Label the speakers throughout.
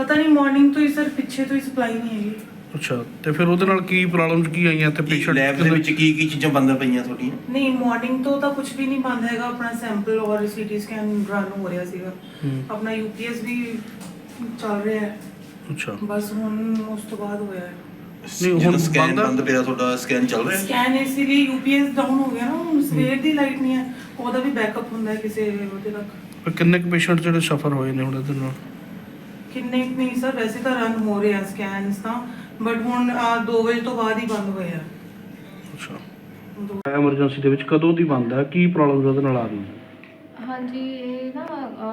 Speaker 1: ਪਤਾ ਨਹੀਂ ਮਾਰਨਿੰਗ ਤੋਂ ਹੀ ਸਰ, ਪਿੱਛੇ ਤੋਂ ਹੀ ਸਪਲਾਈ ਨਹੀਂ ਹੈਗੀ।
Speaker 2: ਅੱਛਾ, ਤੇ ਫਿਰ ਉਹਦੇ ਨਾਲ ਕੀ ਪ੍ਰੋਬਲਮਸ ਕੀ ਆਈਆਂ ਤੇ ਪੇਸ਼ੈਂਟ
Speaker 3: ਲੈਬ ਦੇ ਵਿੱਚ ਕੀ ਚੀਜ਼ਾਂ ਬੰਦ ਪਈਆਂ ਤੁਹਾਡੀਆਂ?
Speaker 1: ਨਹੀਂ ਮਾਰਨਿੰਗ ਤੋਂ ਤਾਂ ਕੁਝ ਵੀ ਨਹੀਂ ਬੰਦ ਹੈਗਾ। ਆਪਣਾ ਸੈਂਪਲ ਔਰ ਸੀਟੀ ਸਕੈਨ ਰਨ ਹੋ ਰਿਹਾ ਸੀਗਾ। ਆਪਣਾ ਯੂਪੀਐਸ ਵੀ ਚੱਲ ਰਿਹਾ ਹੈ।
Speaker 2: ਅੱਛਾ,
Speaker 1: ਬਸ ਹੁਣ ਉਸ ਤੋਂ ਬਾਅਦ ਹੋਇਆ ਹੈ।
Speaker 2: ਨਹੀਂ ਹੁਣ
Speaker 3: ਸਕੈਨ
Speaker 2: ਬੰਦ
Speaker 3: ਬੰਦ ਪਿਆ ਤੁਹਾਡਾ? ਸਕੈਨ ਚੱਲ ਰਿਹਾ?
Speaker 1: ਸਕੈਨ ਇਸ ਲਈ ਯੂਪੀਐਸ ਡਾਊਨ ਹੋ ਗਿਆ ਨਾ, ਹੁਣ ਸਵੇਰ ਦੀ ਲਾਈਟ ਨਹੀਂ ਹੈ, ਉਹਦਾ ਵੀ ਬੈਕਅਪ ਹੁੰਦਾ ਹੈ ਕਿਸੇ ਉਹਦੇ ਤੱਕ।
Speaker 2: ਕਿੰਨੇ ਕੁ ਪੇਸ਼ੈਂਟ ਜਿਹੜੇ ਸਫਰ ਹੋਏ ਨੇ ਹੁਣ ਇਹਦੇ ਨਾਲ?
Speaker 1: ਕਿੰਨੇ ਕੁ ਨਹੀਂ ਸਰ, ਵੈਸੇ ਤਾਂ ਰਨ ਹੋ ਰਿਹਾ ਸਕੈਨਸ ਤਾਂ, ਬਟ ਹੁਣ 2 ਵਜੇ ਤੋਂ ਬਾਅਦ ਹੀ ਬੰਦ ਹੋਇਆ।
Speaker 2: ਅੱਛਾ, ਐਮਰਜੈਂਸੀ ਦੇ ਵਿੱਚ ਕਦੋਂ ਦੀ ਬੰਦ ਹੈ? ਕੀ ਪ੍ਰੋਬਲਮ ਉਹਦੇ ਨਾਲ ਆ ਰਹੀ ਹੈ?
Speaker 4: ਹਾਂਜੀ, ਇਹ ਨਾ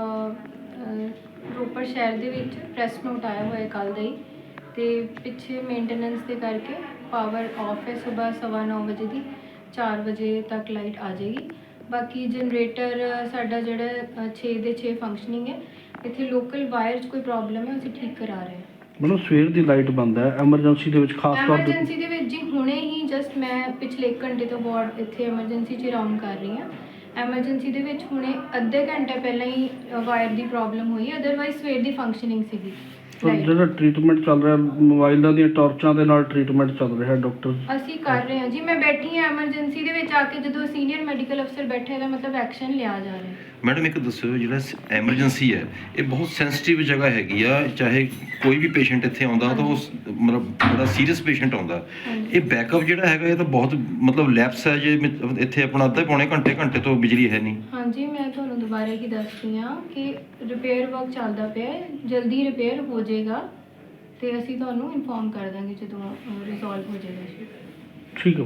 Speaker 4: ਰੋਪੜ ਸ਼ਹਿਰ ਦੇ ਵਿੱਚ ਪ੍ਰੈਸ ਨੋਟ ਆਇਆ ਹੋਇਆ ਕੱਲ੍ਹ ਦਾ ਹੀ, ਅਤੇ ਪਿੱਛੇ ਮੇਨਟੇਨੈਂਸ ਦੇ ਕਰਕੇ ਪਾਵਰ ਆਫ ਹੈ। ਸੁਬਾਹ 9:15 ਵਜੇ ਦੀ 4 ਵਜੇ ਤੱਕ ਲਾਈਟ ਆ ਜਾਏਗੀ। ਬਾਕੀ ਜਨਰੇਟਰ ਸਾਡਾ ਜਿਹੜਾ 6 ਦੇ 6 ਫੰਕਸ਼ਨਿੰਗ ਹੈ। ਇੱਥੇ ਲੋਕਲ ਵਾਇਰ 'ਚ ਕੋਈ ਪ੍ਰੋਬਲਮ ਹੈ, ਅਸੀਂ ਠੀਕ ਕਰਾ ਰਹੇ ਹਾਂ।
Speaker 2: ਮਤਲਬ ਸਵੇਰ ਦੀ ਲਾਈਟ ਬੰਦ ਹੈ ਐਮਰਜੈਂਸੀ ਦੇ ਵਿੱਚ ਖਾਸ ਤੌਰ ਤੇ?
Speaker 4: ਐਮਰਜੈਂਸੀ ਦੇ ਵਿੱਚ ਜੀ ਹੁਣੇ ਹੀ ਜਸਟ ਮੈਂ ਪਿਛਲੇ 1 ਘੰਟੇ ਤੋਂ ਵਾਰਡ ਇੱਥੇ ਐਮਰਜੈਂਸੀ 'ਚ ਰਾਊਂਡ ਕਰ ਰਹੀ ਹਾਂ। ਐਮਰਜੈਂਸੀ ਦੇ ਵਿੱਚ ਹੁਣੇ ਅੱਧੇ ਘੰਟੇ ਪਹਿਲਾਂ ਹੀ ਵਾਇਰ ਦੀ ਪ੍ਰੋਬਲਮ ਹੋਈ, ਅਦਰਵਾਈਜ਼ ਸਵੇਰ ਦੀ ਫੰਕਸ਼ਨਿੰਗ ਸੀਗੀ।
Speaker 2: ਜਿਹੜਾ ਟ੍ਰੀਟਮੈਂਟ ਚੱਲ ਰਿਹਾ ਮੋਬਾਈਲਾਂ ਦੀਆਂ ਟਾਰਚਾਂ ਦੇ ਨਾਲ ਟ੍ਰੀਟਮੈਂਟ ਚੱਲ ਰਿਹਾ ਡਾਕਟਰ?
Speaker 4: ਅਸੀਂ ਕਰ ਰਹੇ ਹਾਂ ਜੀ। ਮੈਂ ਬੈਠੀ ਹਾਂ ਐਮਰਜੈਂਸੀ ਦੇ ਵਿੱਚ ਆ ਕੇ, ਜਦੋਂ ਸੀਨੀਅਰ ਮੈਡੀਕਲ ਅਫਸਰ ਬੈਠੇ ਦਾ ਮਤਲਬ ਐਕਸ਼ਨ ਲਿਆ ਜਾ ਰਿਹਾ।
Speaker 3: ਮੈਡਮ ਇੱਕ ਦੱਸੋ, ਜਿਹੜਾ ਐਮਰਜੈਂਸੀ ਹੈ ਇਹ ਬਹੁਤ ਸੈਂਸਿਟਿਵ ਜਗ੍ਹਾ ਹੈਗੀ ਆ, ਚਾਹੇ ਕੋਈ ਵੀ ਪੇਸ਼ੈਂਟ ਇੱਥੇ ਆਉਂਦਾ ਤਾਂ ਉਹ ਮਤਲਬ ਬੜਾ ਸੀਰੀਅਸ ਪੇਸ਼ੈਂਟ ਆਉਂਦਾ, ਇਹ ਬੈਕਅਪ ਜਿਹੜਾ ਹੈਗਾ ਇਹ ਤਾਂ ਬਹੁਤ ਮਤਲਬ ਲੈਪਸ ਹੈ। ਜੇ ਇੱਥੇ ਆਪਣਾ ਅੱਧੇ ਪੌਣੇ ਘੰਟੇ ਤੋਂ ਬਿਜਲੀ ਹੈ ਨਹੀਂ। ਹਾਂਜੀ,
Speaker 4: ਮੈਂ ਤੁਹਾਨੂੰ ਦੁਬਾਰਾ ਹੀ ਦੱਸਦੀ ਹਾਂ ਕਿ ਰਿਪੇਅਰ ਵਰਕ ਚੱਲਦਾ ਪਿਆ ਹੈ, ਜਲਦੀ ਰਿਪੇਅਰ ਹੋ ਜਾਏਗਾ ਤੇ ਅਸੀਂ ਤੁਹਾਨੂੰ ਇਨਫੋਰਮ ਕਰ ਦਾਂਗੇ ਜਦੋਂ ਰਿਜ਼ੋਲਵ ਹੋ ਜਾਏਗਾ।
Speaker 2: ਠੀਕ ਹੈ।